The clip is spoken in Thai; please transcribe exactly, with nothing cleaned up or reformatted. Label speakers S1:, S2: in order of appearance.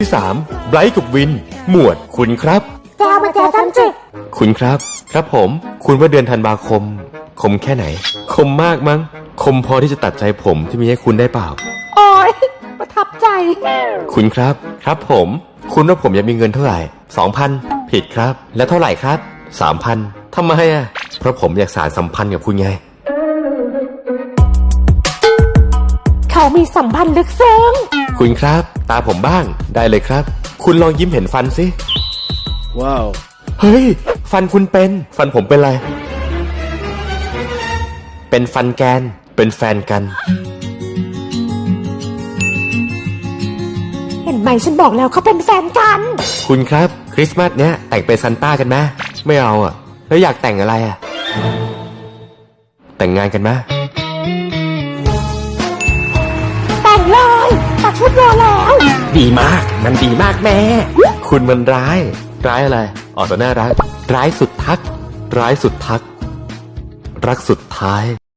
S1: ที่สามไบรท์กับวิน หมวดคุณครับ
S2: แกมาแกฉันจิ
S1: คุณครับครับผมคุณว่าเดือนธันวาคมคมแค่ไหนคมมากมั้งคมพอที่จะตัดใจผมที่มีให้คุณได้เปล่า
S2: โอ้ยประทับใจ
S1: คุณครับครับผมคุณว่าผมอยากมีเงินเท่าไหร่สองพันผิดครับแล้วเท่าไหร่ครับสามพันทำไมอ่ะเพราะผมอยากสานสัมพันธ์กับคุณไง
S2: เขามีสัมพันธ์ลึกซึ้ง
S1: คุณครับตาผมบ้างได้เลยครับคุณลองยิ้มเห็นฟันสิ
S3: ว้าว
S1: เฮ้ยฟันคุณเป็นฟันผมเป็นอะไรเป็นฟันแกนเป็นแฟนกัน
S2: เห็นไหมฉันบอกแล้วเขาเป็นแฟนกัน
S1: คุณครับคริสต์มาสเนี้ยแต่งเป็นซานต้ากันไหมไม่เอาอ่ะแล้วอยากแต่งอะไรอ่ะแต่งงานกันไหม
S2: แต่งเลยตัดชุดรอแล้ว
S3: ดีมากมันดีมากแม่
S1: คุณมันร้ายร้ายอะไรออกแต่น่ารักร้ายสุดทักร้ายสุดทักรักสุดท้าย